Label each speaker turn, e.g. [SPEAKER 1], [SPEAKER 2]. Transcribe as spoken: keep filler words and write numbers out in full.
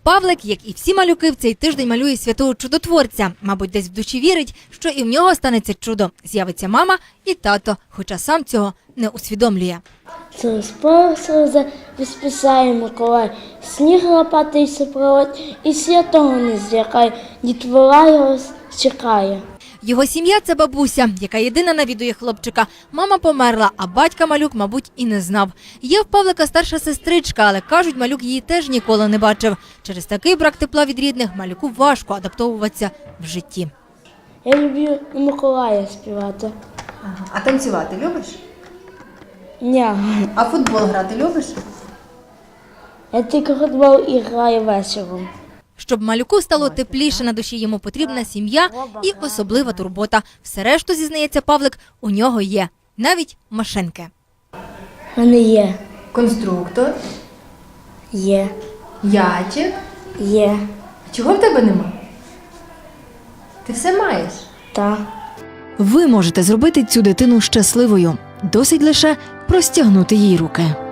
[SPEAKER 1] Павлик, як і всі малюки, в цей тиждень малює святого чудотворця. Мабуть, десь в душі вірить, що і в нього станеться чудо. З'явиться мама і тато, хоча сам цього не усвідомлює.
[SPEAKER 2] Через пороза висписає Миколай, сніг лопатий супроводь, і святого не злякає, дітвора його чекає.
[SPEAKER 1] Його сім'я – це бабуся, яка єдина навідує хлопчика. Мама померла, а батька малюк, мабуть, і не знав. Є в Павлика старша сестричка, але, кажуть, малюк її теж ніколи не бачив. Через такий брак тепла від рідних малюку важко адаптовуватися в житті.
[SPEAKER 2] Я люблю на Миколая співати.
[SPEAKER 1] Ага. А танцювати любиш?
[SPEAKER 2] Ні,
[SPEAKER 1] А футбол грати любиш?
[SPEAKER 2] я тільки футбол і граю вечором.
[SPEAKER 1] Щоб малюку стало тепліше на душі, йому потрібна сім'я і особлива турбота. Все решту, зізнається Павлик, у нього є. Навіть машинки.
[SPEAKER 2] У мене є,
[SPEAKER 1] Конструктор,
[SPEAKER 2] є,
[SPEAKER 1] ячик.
[SPEAKER 2] є,
[SPEAKER 1] Чого в тебе нема? Ти все маєш.
[SPEAKER 2] та.
[SPEAKER 3] Ви можете зробити цю дитину щасливою. Досить лише простягнути їй руки.